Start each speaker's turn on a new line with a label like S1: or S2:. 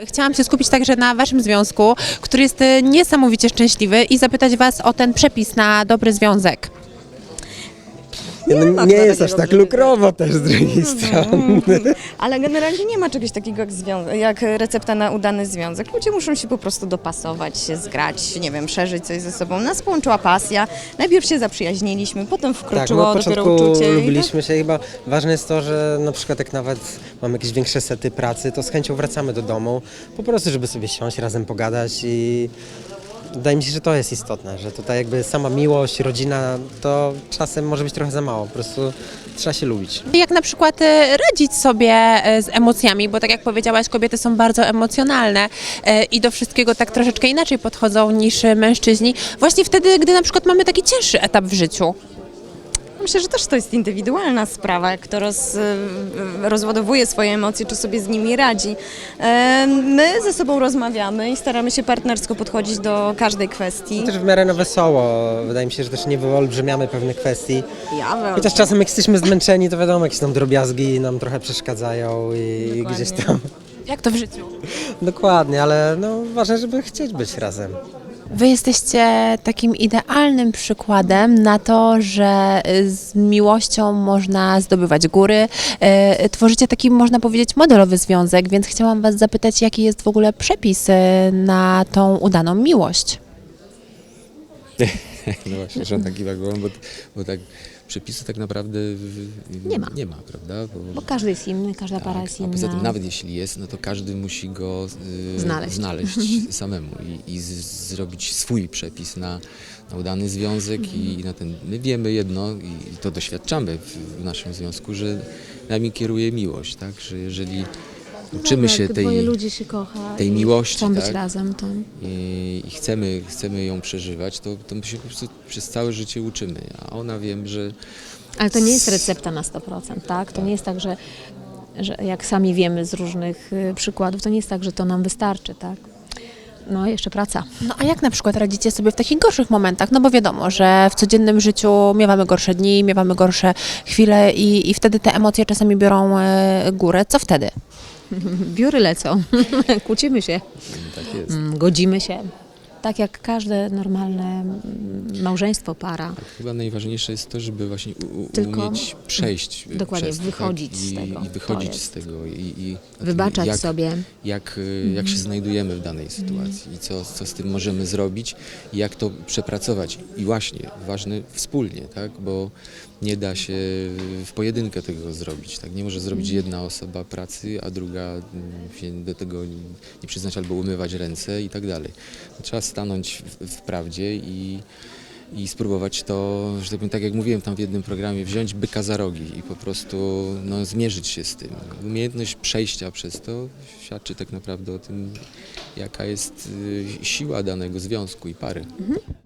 S1: Chciałam się skupić także na waszym związku, który jest niesamowicie szczęśliwy i zapytać was o ten przepis na dobry związek.
S2: Nie jest aż tak lukrowo też z drugiej strony.
S3: Ale generalnie nie ma czegoś takiego jak recepta na udany związek. Ludzie muszą się po prostu dopasować, się zgrać, nie wiem, przeżyć coś ze sobą. Nas połączyła pasja. Najpierw się zaprzyjaźniliśmy, potem
S2: Tak,
S3: wkroczyło
S2: od
S3: dopiero
S2: początku
S3: uczucie.
S2: lubiliśmy się. Chyba ważne jest to, że na przykład jak nawet mamy jakieś większe sety pracy, to z chęcią wracamy do domu, po prostu żeby sobie siąść, razem pogadać i wydaje mi się, że to jest istotne, że tutaj jakby sama miłość, rodzina, to czasem może być trochę za mało, po prostu trzeba się lubić.
S1: Jak na przykład radzić sobie z emocjami, bo tak jak powiedziałaś, kobiety są bardzo emocjonalne i do wszystkiego tak troszeczkę inaczej podchodzą niż mężczyźni. Właśnie wtedy, gdy na przykład mamy taki cięższy etap w życiu.
S3: Myślę, że też to jest indywidualna sprawa, jak kto rozładowuje swoje emocje, czy sobie z nimi radzi. My ze sobą rozmawiamy i staramy się partnersko podchodzić do każdej kwestii.
S2: Też w miarę na wesoło, wydaje mi się, że też nie wyolbrzymiamy pewnych kwestii.
S3: Ja
S2: Chociaż czasem jak jesteśmy zmęczeni, to wiadomo, jakieś tam drobiazgi nam trochę przeszkadzają i
S3: Dokładnie.
S2: gdzieś tam.
S1: Jak to w życiu?
S2: Dokładnie, ale no ważne, żeby chcieć być razem.
S1: Wy jesteście takim idealnym przykładem na to, że z miłością można zdobywać góry. Tworzycie taki, można powiedzieć, modelowy związek, więc chciałam was zapytać, jaki jest w ogóle przepis na tą udaną miłość?
S4: No właśnie, że on taki głową, bo tak przepisu tak naprawdę nie ma, prawda?
S5: Bo każdy jest inny, każda para
S4: tak,
S5: jest
S4: a
S5: inna.
S4: poza tym nawet jeśli jest, no to każdy musi go
S5: Znaleźć.
S4: samemu i zrobić swój przepis na udany związek i na ten. My wiemy jedno i to doświadczamy w naszym związku, że nami kieruje miłość, tak? Że jeżeli uczymy się
S5: Jak dwoje
S4: tej
S5: ludzi się kocha
S4: tej
S5: i
S4: miłości,
S5: chcą być
S4: tak?
S5: razem, to
S4: i chcemy ją przeżywać, to my się po prostu przez całe życie uczymy, a ona wiem, że
S5: ale to nie jest recepta na 100%, tak? To nie jest tak, że jak sami wiemy z różnych przykładów, to nie jest tak, że to nam wystarczy, tak? No, jeszcze praca.
S1: No a jak na przykład radzicie sobie w takich gorszych momentach? No bo wiadomo, że w codziennym życiu miewamy gorsze dni, miewamy gorsze chwile i wtedy te emocje czasami biorą górę. Co wtedy?
S5: Biory lecą, kłócimy się,
S4: tak jest.
S5: godzimy się. Tak jak każde normalne małżeństwo, para.
S4: Chyba najważniejsze jest to, żeby właśnie
S5: Tylko-
S4: umieć przejść
S5: Dokładnie,
S4: przez to,
S5: wychodzić
S4: tak?
S5: z tego.
S4: I wychodzić
S5: To jest.
S4: z tego i
S5: Wybaczać
S4: jak,
S5: sobie.
S4: Jak się znajdujemy w danej sytuacji i co z tym możemy zrobić i jak to przepracować. I właśnie, ważne wspólnie, tak? Bo nie da się w pojedynkę tego zrobić. Tak? Nie może zrobić jedna osoba pracy, a druga się do tego nie przyznać albo umywać ręce i tak dalej. Trzeba stanąć w prawdzie i spróbować to, że tak powiem, tak jak mówiłem tam w jednym programie, wziąć byka za rogi i po prostu zmierzyć się z tym. Umiejętność przejścia przez to świadczy tak naprawdę o tym, jaka jest siła danego związku i pary.